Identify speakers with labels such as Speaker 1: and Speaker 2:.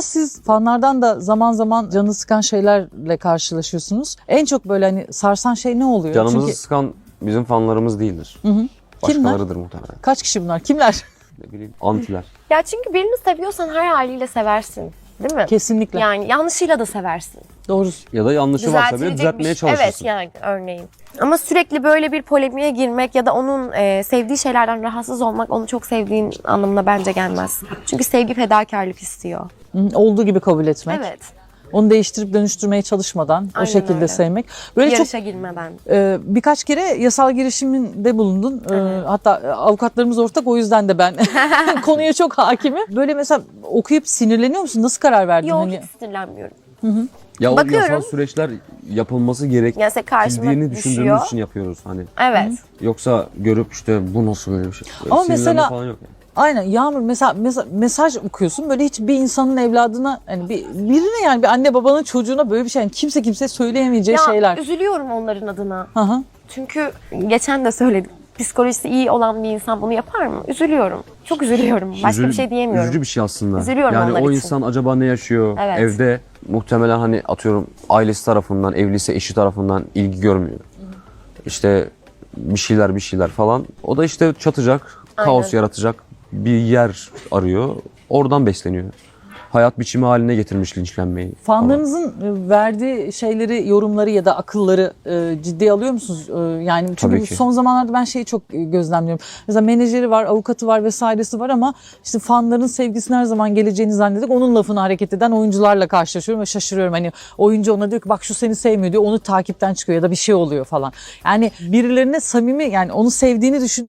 Speaker 1: arada siz fanlardan da zaman zaman canını sıkan şeylerle karşılaşıyorsunuz. En çok böyle hani sarsan şey ne oluyor?
Speaker 2: Canımızı sıkan bizim fanlarımız değildir.
Speaker 1: Hı.
Speaker 2: Başkalarıdır muhtemelen.
Speaker 1: Kaç kişi bunlar? Kimler?
Speaker 2: Ne bileyim, antiler.
Speaker 3: Ya çünkü birini seviyorsan her haliyle seversin. Değil mi?
Speaker 1: Kesinlikle.
Speaker 3: Yani yanlışıyla da seversin.
Speaker 1: Doğrusu.
Speaker 2: Ya da yanlışı varsa bile
Speaker 3: Düzeltilecek
Speaker 2: düzeltmeye
Speaker 3: bir şey.
Speaker 2: çalışırsın.
Speaker 3: Evet yani örneğin. Ama sürekli böyle bir polemiğe girmek ya da onun sevdiği şeylerden rahatsız olmak onu çok sevdiğin anlamına bence gelmez. Çünkü sevgi fedakarlık istiyor.
Speaker 1: Olduğu gibi kabul etmek.
Speaker 3: Evet.
Speaker 1: Onu değiştirip dönüştürmeye çalışmadan o
Speaker 3: Aynen
Speaker 1: şekilde
Speaker 3: öyle.
Speaker 1: sevmek. Böyle
Speaker 3: Yarışa girmeden.
Speaker 1: birkaç kere yasal girişiminde bulundun.
Speaker 3: Evet.
Speaker 1: Hatta avukatlarımız ortak, o yüzden de ben konuya çok hakimim. Böyle mesela okuyup sinirleniyor musun? Nasıl karar verdin?
Speaker 3: Yok
Speaker 1: Hani?
Speaker 3: hiç sinirlenmiyorum.
Speaker 2: Ya o
Speaker 3: Bakıyorum.
Speaker 2: yasal süreçler yapılması
Speaker 3: Yani karşıma
Speaker 2: gerektiğini
Speaker 3: düşüyor.
Speaker 2: düşündüğümüz için yapıyoruz hani.
Speaker 3: Evet.
Speaker 2: Yoksa görüp işte bu nasıl böyle bir şey.
Speaker 1: Ama
Speaker 2: Sinirlenme
Speaker 1: mesela-
Speaker 2: falan yok yani.
Speaker 1: Aynen Yağmur, mesela mesaj okuyorsun, böyle hiç bir insanın evladına, hani birine, yani bir anne babanın çocuğuna böyle bir şey, yani kimseye söyleyemeyeceği
Speaker 3: Ya
Speaker 1: şeyler.
Speaker 3: üzülüyorum onların adına.
Speaker 1: Hı hı.
Speaker 3: Çünkü geçen de söyledim. Psikolojisi iyi olan bir insan bunu yapar mı? Üzülüyorum. Çok üzülüyorum. Başka bir şey diyemiyorum.
Speaker 2: Üzücü bir şey aslında.
Speaker 3: Üzülüyorum
Speaker 2: yani
Speaker 3: onlar
Speaker 2: o
Speaker 3: için.
Speaker 2: insan acaba ne yaşıyor?
Speaker 3: Evet.
Speaker 2: Evde muhtemelen hani atıyorum ailesi tarafından, evliyse eşi tarafından ilgi görmüyor. İşte bir şeyler falan. O da işte çatacak, kaos
Speaker 3: Aynen.
Speaker 2: yaratacak bir yer arıyor. Oradan besleniyor. Hayat biçimi haline getirmiş linçlenmeyi. falan.
Speaker 1: Fanlarınızın verdiği şeyleri, yorumları ya da akılları ciddiye alıyor musunuz? Yani çünkü
Speaker 2: Tabii ki.
Speaker 1: son zamanlarda ben şeyi çok gözlemliyorum. Mesela menajeri var, avukatı var vesairesi var ama işte fanların sevgisinin her zaman geleceğini zannedip onun lafını hareket eden oyuncularla karşılaşıyorum ve şaşırıyorum. Hani oyuncu ona diyor ki bak şu seni sevmiyor diyor, onu takipten çıkıyor ya da bir şey oluyor falan. Yani birilerine samimi, yani onu sevdiğini düşün.